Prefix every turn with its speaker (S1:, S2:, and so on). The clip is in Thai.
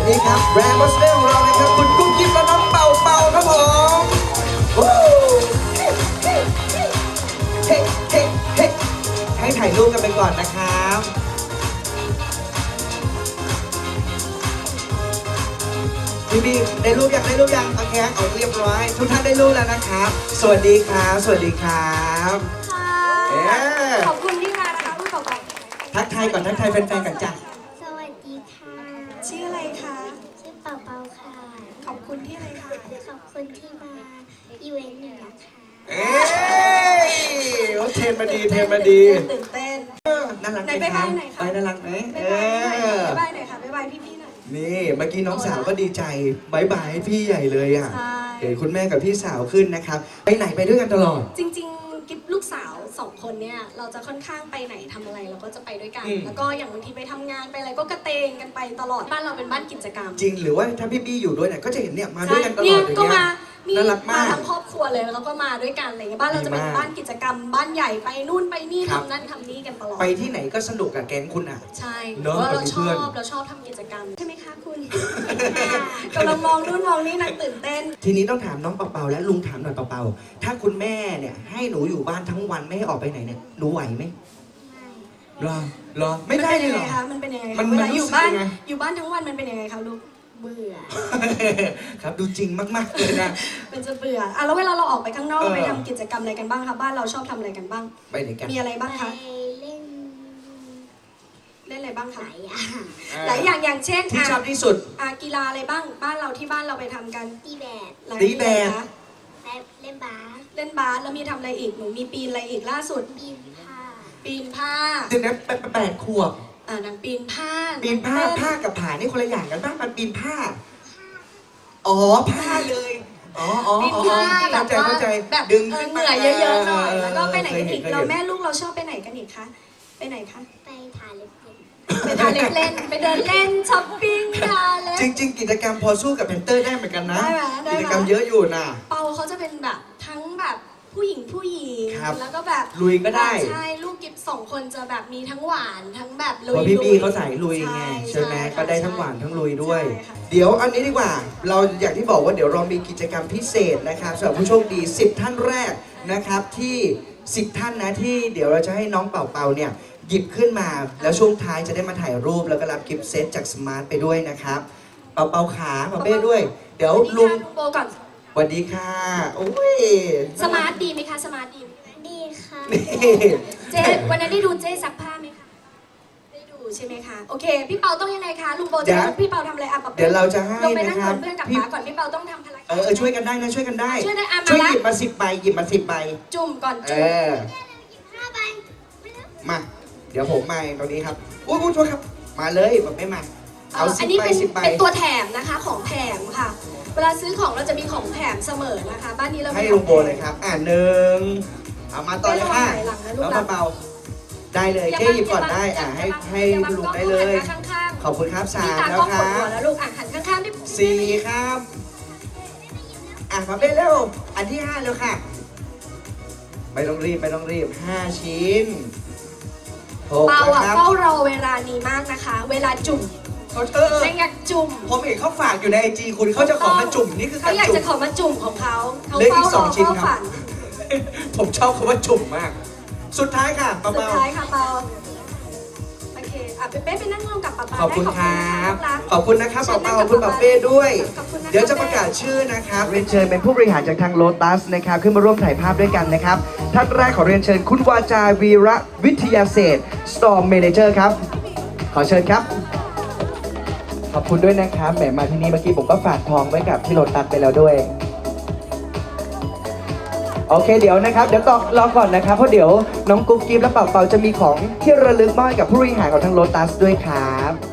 S1: ดีครับแบรนด์บัสเตอร์ของเรานะครับคุณกุ๊กกิ๊บและน้องเป่าเป่าครับผมวู้เฮ้เฮ้ให้ถ่ายรูปกันไปก่อนนะครับพี่ได้รูปยังโอเคเอาเรียบร้อยทุกท่านได้รูปแล้วนะครับสวัสดีครับ
S2: ค่ะขอบคุณที่มานะคะคุณต่อไป
S1: ทักทายก่อนทักทายแฟนๆกันจ้ะ
S3: สวัสดีค่ะ
S2: ชื่ออะไรคะ
S3: ชื่อเป่าเป่าค่ะ
S2: ขอบคุณที่อะไรคะ
S3: ขอบคุณที่มาอีเวนต์นี้นะคะ
S1: โอ้เทนมาดี
S2: ตื่นเต้น
S1: น่ารักไหม
S2: ไปบ้านไหนคะ
S1: น่ารักไหม
S2: ไปบ้านไหนคะไปบ้านพี่ๆหน่อย
S1: นี่เมื่อกี้น้องสาวก็ดีใจบายบายให้พี่ใหญ่เลยอ่ะเห็นคุณแม่กับพี่สาวขึ้นนะครับไปไหนไปด้วยกันตลอด
S2: จริงๆกิ๊บลูกสาว2 คนเนี่ยเราจะค่อนข้างไปไหนทำอะไรเราก็จะไปด้วยกันแล้วก็อย่างบางทีไปทำงานไปอะไรก็กระเตงกันไปตลอดบ้านเราเป็นบ้านกิจกรรม
S1: จริงหรือว่าถ้าพี่บี้อยู่ด้วยเนี่ยก็จะเห็นเนี่ยมาด้วยกันตลอดอย่างเงี้ยน่ารักมาก
S2: ทั้งครอบครัวเลยแล้วก็มาด้วยกันอะไรเงี้ยบ้านเราจะเป็นบ้านกิจกรรมบ้านใหญ่ไปนู่นไปนี่ทำนั่นทำนี่กันตลอด
S1: ไปที่ไหนก็สนุกกับแก๊งคุณอ่ะ
S2: ใช่เพราะเราชอบทำกิจกรรมใช่ไหมคะคุณกำลังมองนู่นมองนี่นักตื่นเต้น
S1: ทีนี้ต้องถามน้องเปาๆและลุงถามหน่อยเปาๆถ้าคุณแม่เนี่ยให้หนูอยู่บ้านทั้งวันไม่ให้ออกไปไหนเนี่ยหนูไหวไหมรอไม่ได้เลยเหรอ
S2: มันเป็นยังไงคะเวลาอยู่บ้านทั้งวันมันเป็นยังไงคะลูก
S3: เบื่อ
S1: ครับดูจริงมากๆเลยนะ
S2: มันจะเบื่อแล้วเวลาเราออกไปข้างนอกไปทำกิจกรรมอะไรกันบ้างคะบ้านเราชอบทำอะไรกันบ้าง
S1: ไปไหนกัน
S2: มีอะไรบ้างคะ
S3: เล่น
S2: อะไรบ้างคะ
S3: หลายอย่าง
S2: อย่างเช่น
S1: ที่ชอบที่สุด
S2: กีฬาอะไรบ้างบ้านเราที่บ้านเราไปทำกัน
S3: ตีแบด
S2: เ
S3: ล่นบาส
S2: แล้วมีทำอะไรอีกหนูมีปีนอะไรอีกล่าสุดปีนผ้า
S1: เด็กนั้น8 ขวบ
S2: นางปีนผ้า
S1: กับผานี่คนละอย่างกันบ้างมันปีนผ้าอ๋อผ้าเลย
S2: ปีนผ้าแบบว่าแบบ
S1: ดึง
S2: เหนื่อยเยอะๆหน่อยแล้วก็ไปไหนกันอีกเราแม่ลูกเราชอบไปไหนกันอีกคะไปไหนคะ
S3: ไปทาเล็บ
S2: เล่นไปเดินเล่นช้อปปิ้งทาเล็บ
S1: จริงๆกิจกรรมพอสู้กับแพนเตอร์ได้เหมือนกันนะกิจกรรมเยอะอยู่นะ
S2: เปาเขาจะเป็นแบบทั้งแบบผู้หญิงแล้วก็แบบ
S1: ลุยก็ได้
S2: ใช่ลูกกิ๊บ2 คนจะแบบมีทั้งหวานทั้งแบบลุย
S1: พี่เขาใส่ลุยไงใช่ไหมก็ได้ทั้งหวานทั้งลุยด้วยเดี๋ยวอันนี้ดีกว่าเราอย่างที่บอกว่าเดี๋ยวเรามีกิจกรรมพิเศษนะครับสำหรับผู้โชคดี10 ท่านแรกนะครับที่10 ท่านนะที่เดี๋ยวเราจะให้น้องเป่าเนี่ยหยิบขึ้นมาแล้วช่วงท้ายจะได้มาถ่ายรูปแล้วก็รับกิฟต์เซตจากสมาร์ทไปด้วยนะครับเป่าขาเป้ด้วยเดี๋ยวลุง
S2: โบก่อน
S1: สวัสดีค่ะโอ้ย
S2: สมาร์ทดีไหมคะสมาร์ท
S3: ดีค่ะ
S2: เจ๊วันนั้นได้ดูเจ๊ซักผ้าไหมคะได้ดูใช่ไหมคะโอเคพี่เปาต้องยังไงคะลุงโบจะพี่เปาทำอะไร
S1: เดี๋ยวเราจะให้
S2: นะครับเพื่อนกับป๋าก่อนพี่เปาต้องทำอะไร
S1: ช่วยกันได้นะช่วยกันได้
S2: ช่วย
S1: หยิบมา10 ใบ
S2: จุ่มก่อนจุ่ม
S1: มาเดี๋ยวผมมาตรงนี้ครับโอ้โหโทษครับมาเลยแบบไม่มาเอา10 ใบ
S2: เป็นตัวแถมนะคะของแถมค่ะเวลาซื้อของเราจะมีของแถมเสมอนะคะบ้านนี้เรา
S1: ให้ลุงโบเลยครับ1เอามาต่อเลยค่ะแล้วเบาได้เลยแค่หยิบก่อนได้ให้ลุงได้เลยขอบคุณครับ3แล้วครับ
S2: แล้วลูกหันข้างๆได้
S1: 4ครับมาเป็นเร็วอันที่5แล้วค่ะไม่ต้องรีบ5 ชิ้น
S2: เปาเฝ้ารอเวลานี้มากนะคะเวลาจุ่มอยากจุ่ม
S1: ผมเห็นเขาฝากอยู่ในIGคุณเขาจะขอมาจุ่มนี่คือ
S2: เขาอยากจะขอมาจุ่มของเขา
S1: เลือกอีก2 ชิ้นครับผมชอบคำว่าจุ่มมากสุดท้ายค่ะเปา
S2: สุดท้ายค่ะเปาโอเคเป้ไปนั่งร่วมกับเปา
S1: ขอบคุณครับขอบคุณนะครับเปาขอบคุณเป้ด้วยเดี๋ยวจะประกาศชื่อนะครับเรียนเชิญเป็นผู้บริหารจากทางโลตัสนะครับขึ้นมาร่วมถ่ายภาพด้วยกันนะครับท่านแรกขอเรียนเชิญคุณวาจาวีระวิทยาเศษ Store Manager ครับขอเชิญครับขอบคุณด้วยนะครับแหมมาที่นี่เมื่อกี้ผมก็ฝากทองไว้กับที่โลตัสไปแล้วด้วยโอเคเดี๋ยวนะครับเดี๋ยวรอก่อนนะครับเพราะเดี๋ยวน้องกุ๊กกิ๊บและเป่าจะมีของที่ระลึกมอบให้กับผู้บริหารของทางโลตัสด้วยครับ